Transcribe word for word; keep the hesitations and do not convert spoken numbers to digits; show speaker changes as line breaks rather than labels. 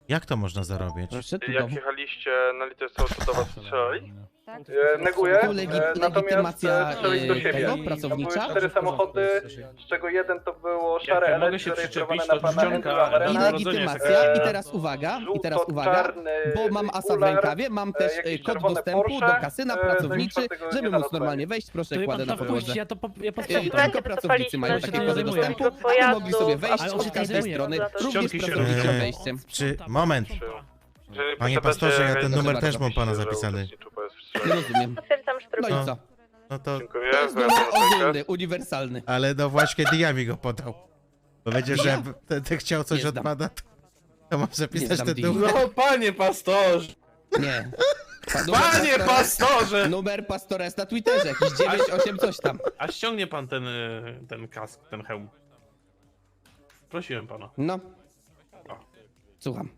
Jak to można zarobić?
Proszę tu
Jak
do...
jechaliście na litość, to do was strzelali?
Tak?
E, neguję,
Tu legi
e, natomiast
legitymacja
e, strzelić do
e,
siebie.
tego,
To były
pracownicza.
cztery samochody, z czego jeden to było szare
Jak mogę
L
się
zarejestrowane
przyczepić,
na
to
pana
czcionka,
Andrewa
ale
I
Arena.
legitymacja, i
E,
teraz uwaga, i teraz uwaga,
żółto-czarny
bo mam asa w
okular,
rękawie, mam też
e,
e,
jakieś
kod
czerwone
dostępu
Porsche,
do kasyna
e,
pracowniczy,
no i czwartego
żeby
nie
móc
znalazłem.
normalnie wejść, proszę,
To
kładę
pan
na
tam
podłodze.
wpuści, ja to po, ja
E,
posprzątam.
Tylko pracownicy mają
Ja się
takie
tym
kody
zajmuję.
dostępu,
Tylko
aby mogli
pojazdu,
sobie wejść
ale on
od
się
każdej
zajmuje.
strony,
Za to
również
ściągi się
pracowniczym
robi.
wejściem.
Czy... Moment.
Jeżeli
Panie
posiadacie
pastorze, ja ten
rejestr,
numer
to
też mam pana
napiszcie, że
zapisany.
uczestniczył po
Nie
strzelaniu.
rozumiem.
Potwierdzam
No
sztrugę.
i co?
No to...
Dziękuję.
To jest
za
numer
rozmowę.
ogólny, uniwersalny.
Ale no właśnie Dia mi go podał. Powiedział, że ten, ten chciał coś
Nie
od
znam.
pana, to, to może
Nie
pisać
znam
ten
Dii.
numer.
No panie pastorze!
Nie. Pa- numer
Panie
pastora-
pastorze!
Numer pastora jest na Twitterze, jakiś dziewięć osiem coś tam.
A ściągnie pan ten, y, ten kask, ten hełm. Prosiłem pana.
No. Słucham.